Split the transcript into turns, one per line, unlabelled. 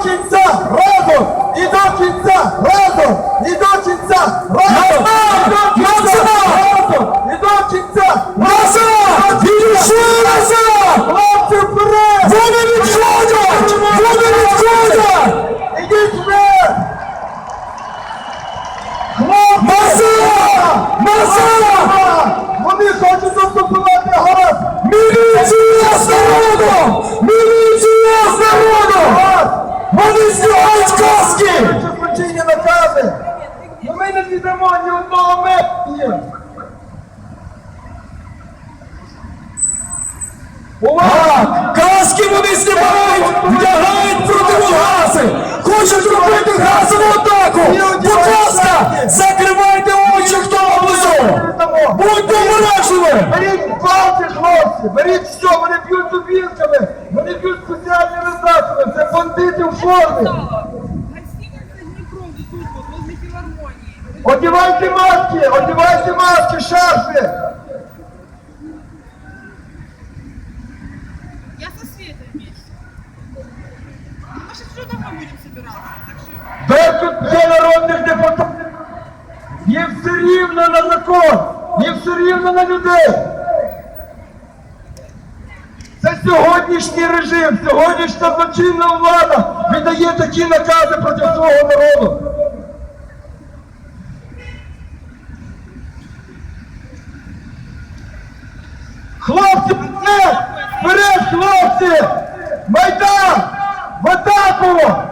кінця разом! І до кінця разом! І до кінця разом! І до кінця разом! І до кінця
Назад! Ідучи назад!
Хлопці вперед!
Вони відходять! Вони відходять!
Ідіть вперед! Хлопці!
Назад! Назад!
Вони хочуть заступувати газ!
Міліція з народом! Міліція з народом! Вони знімають каски!
Це злочинні накази! Но ми не віддамо ні одного метра!
Так, каски вони знімають, вдягають противогази, хочуть робити газову атаку. Будь ласка, закривайте очі, хто внизу. Будьте обережними.
Беріть палки, хлопці, беріть все, вони б'ють дубінками, вони б'ють спеціальними засобами, це бандити в формі.
Гостиница Днепром, тут вот, возле филармонии.
Одівайте маски, шарфи.
Я со Светой вместе. Мы сейчас все домой будем собираться. Так что...
Де тут є народних депутатів? Їм все рівно на закон, їм все рівно на людей. Це сьогоднішній режим, сьогоднішня злочинна влада віддає такі накази проти свого народу. Хлопці, вперед! Вперед, хлопці! Майдан! В атаку!